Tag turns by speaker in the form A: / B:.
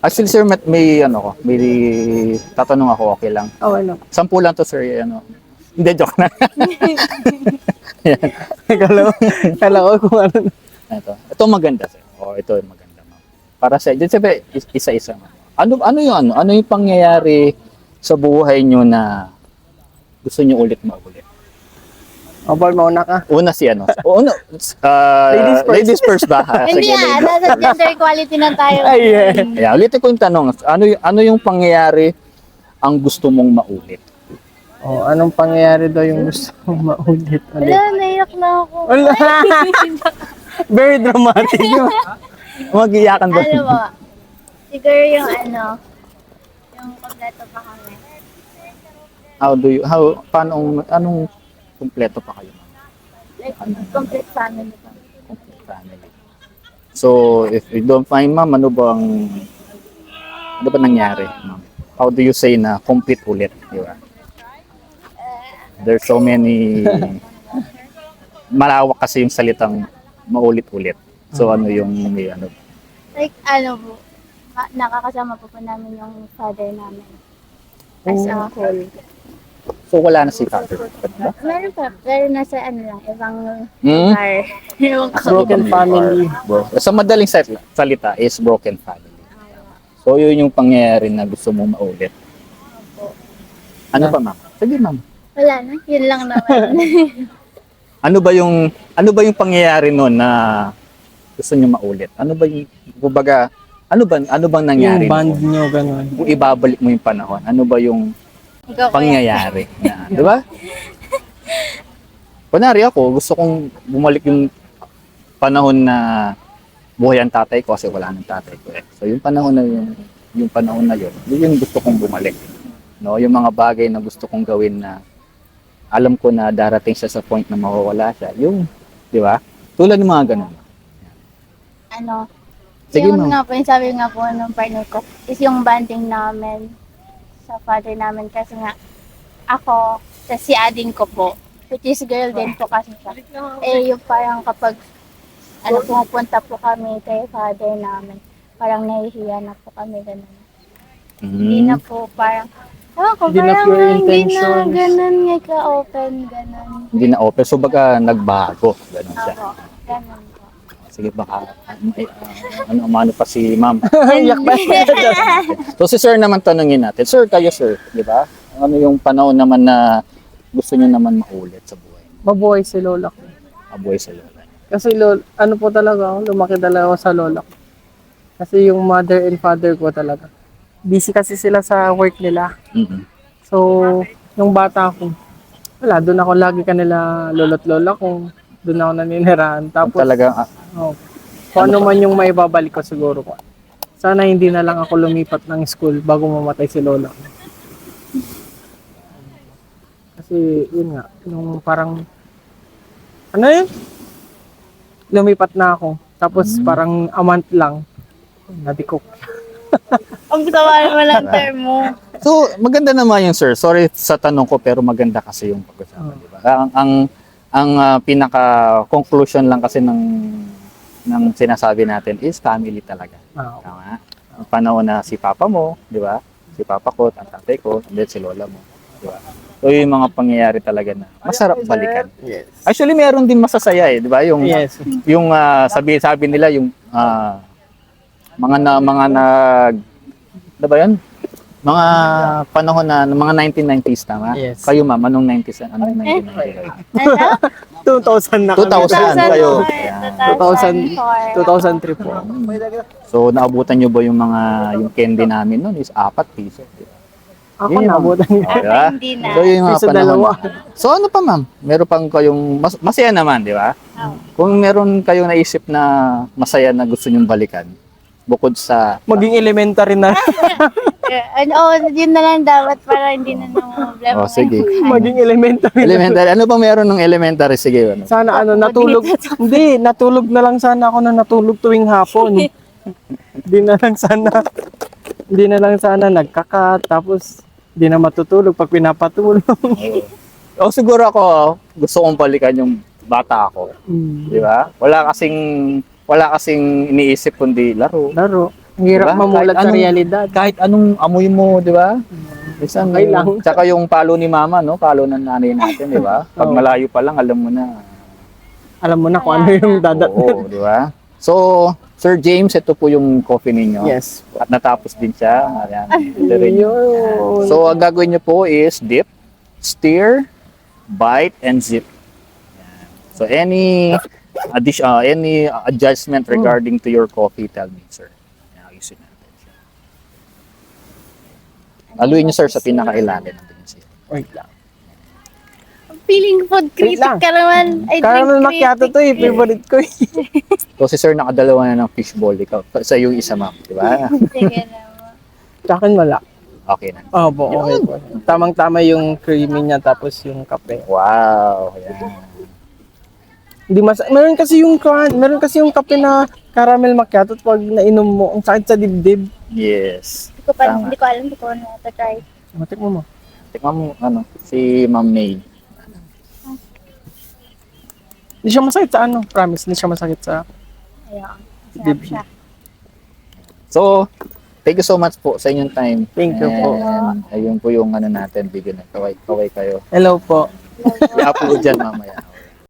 A: Actually, sir, may tatanong ako, okay lang.
B: Oh, ano?
A: 10 lang to, sir, ano. Hindi, joke na. Ayan.
B: Kala ko kung ano.
A: Ito maganda, sir. Ito maganda, ma'am. Para sa, din sabi, isa-isa, ma'am. Ano yung pangyayari sa buhay nyo na gusto nyo ulit maulit?
B: Ball, mauna ka.
A: Una si ano? Ladies first ba?
C: Hindi nasa gender equality na tayo.
B: Ay, yeah.
A: Yeah, ulitin ko yung tanong. Ano yung pangyayari ang gusto mong maulit?
B: Anong pangyayari daw yung gusto mong maulit?
C: Wala, naiyak na ako.
B: Wala. Very dramatic yun.
A: Mag-iyakan ba?
C: Ano ba? Siguro yung yung kompleto pa kami.
A: Anong kumpleto pa kayo?
C: Like, complete family kami.
A: Complete family. So, if you don't find, ma'am, ano ba nangyari, ma'am? How do you say na complete ulit, di ba? There's so many, malawak kasi yung salitang maulit-ulit. So, ano yung,
C: Like, po, nakakasama po namin yung father namin. As a whole.
A: so wala na si father. Diba?
C: Meron pa, pero nasa lang, ibang
A: Hmm?
C: lugar. Ewan ko.
B: Broken family.
A: Sa madaling salita is broken family. So, yun yung pangyayari na gusto mong maulit. Ano pa, ma'am? Sige, ma'am.
C: Wala na, yun lang naman.
A: Ano ba yung pangyayari noon na gusto niyo maulit? Ano ba yung kumbaga ano bang nangyari
B: Yung band
A: noon?
B: nyo, gano'n.
A: Kung ibabalik mo yung panahon, ano ba yung
C: Ikaw kuya.
A: pangyayari na, 'di ba? Kunwari ako, gusto kong bumalik yung panahon na buhay ang tatay ko kasi wala nang tatay ko eh. So yung panahon na yun, yun yung gusto kong bumalik. No, yung mga bagay na gusto kong gawin na alam ko na darating siya sa point na mawawala siya. Yung, 'di ba? Tulad ng mga ganun. Sige,
C: Yung
A: ma'am.
C: nga po, yung sabi nga po ng partner ko, is yung banding namin sa father namin kasi nga ako, sa si ading ko po, which is girl din po kasi siya. Yung parang kapag pumupunta po kami kay father namin, parang nahihiya na po kami ganun. Hindi na po parang,
B: Hindi na
C: parang
B: pure
C: hindi na
B: intentions.
C: ganun nga ka-open, ganun.
A: Hindi na open. So baga nagbago. Ganun siya.
C: Ako, ganun po.
A: Sige, baka ano pa si ma'am.
B: Yak ba?
A: So si sir naman tanungin natin. Sir, kayo sir, di ba? Ano yung panahon naman na gusto niyo naman maulit sa buhay?
B: Mabuhay si lola ko.
A: Mabuhay sa lola.
B: Kasi ano po talaga ako, lumaki talaga ako sa lola ko. Kasi yung mother and father ko talaga. Busy kasi sila sa work nila.
A: Mhm.
B: So, nung bata ako, wala, doon ako lagi kanila lolo't lola ko. Doon ako naninirahan. Tapos,
A: Talagang
B: kung ano man yung maibabalik ko siguro ko. Sana hindi na lang ako lumipat ng school bago mamatay si lola ko. Kasi, yun nga, nung parang, ano yun? Lumipat na ako. Tapos, parang a month lang, nadikok.
C: Ang tawa naman ang term mo.
A: So, maganda naman yung sir. Sorry sa tanong ko pero maganda kasi yung pag-usapan, di ba? Ang pinaka-conclusion lang kasi ng sinasabi natin is family talaga. Tama? Ang panahon na si papa mo, di ba? Si papa ko, ang tatay ko, and then si lola mo, di ba? So, yung mga pangyayari talaga na masarap balikan.
B: Yes.
A: Actually, meron din masasaya eh, di ba? Yung
B: Yes.
A: yung sabi nila yung mga nag ano ba yun? Mga panahon na mga 1990s tama?
B: Yes.
A: Kayo ma'am, anong 90s? Anong 1990s?
C: Ano?
B: 2000 na kami.
A: 2000 kayo.
B: 2000, 2003 po.
A: So naabutan nyo ba yung candy namin noon is 4 piso.
B: Ako nabutan niya.
A: Oh, diba?
C: Hindi na.
A: So yung mga
B: Piso
A: panahon.
B: dalawa.
A: So ano pa ma'am? Meron pang kayong masaya naman, di ba? Kung meron kayong naisip na masaya na gusto nyong balikan, bukod sa
B: Maging elementary na.
C: Yun na lang dapat para hindi na problema.
A: Oh, sige.
B: Maging elementary na.
A: Elementary. Ano bang meron ng elementary? Sige. Ano?
B: Sana natulog. Hindi, natulog na lang sana ako na natulog tuwing hapon. Hindi na lang sana nagkakat, tapos hindi na matutulog pag pinapatulog.
A: O siguro ako, gusto kong balikan yung bata ako. Di ba? Wala kasing iniisip kundi laro.
B: Laro. Ang hirap
A: Diba?
B: mamulat
A: Kahit
B: sa
A: anong-
B: realidad.
A: Kahit anong amoy mo, di ba? Isang,
B: Okay lang.
A: Tsaka yung palo ni mama, no? Palo ng nanay natin, di ba? Pag
B: Oo.
A: malayo pa lang, alam mo na.
B: Alam mo na kung ano yung
A: Oo, di ba? So, Sir James, ito po yung coffee ninyo.
B: Yes.
A: At natapos din siya. Ayan. Ito rin yun.
B: Yun.
A: So, ang gagawin nyo po is dip, stir, bite, and zip. Ayan. So, any adjustment regarding to your coffee, tell me, sir. Ayan, ayusin natin siya. Aluin nyo, sir, sa pinakailalim.
B: Wait lang.
C: Feeling food
B: Wait lang.
C: critic ka naman. I
B: Caramel
C: drink
B: macchiato to eh. Favorite ko eh.
A: So, si sir nakadalawa na ng fishball. Ikaw, sa yung isa, ma'am. Di ba?
C: Sige naman.
B: Sa akin wala.
A: Okay na.
B: Opo, okay po. Tamang-tama yung creamy niya tapos yung kape.
A: Wow. Ayan.
B: Hindi meron kasi yung kape na caramel macchiato at pag nainom mo, ang sakit sa dibdib.
A: Yes. Tama.
C: Hindi ko alam kung ano to try.
B: Matik mo mo.
A: Tikman mo, si Ma'am May.
B: Hindi siya masakit sa promise, hindi siya masakit sa...
C: Ayun. Sarap
B: Dibdib.
C: siya.
A: So, thank you so much po sa inyong time.
B: Thank you po.
A: And ayun po yung natin, video na kaway kayo.
B: Hello po.
A: I-upload dyan mamaya.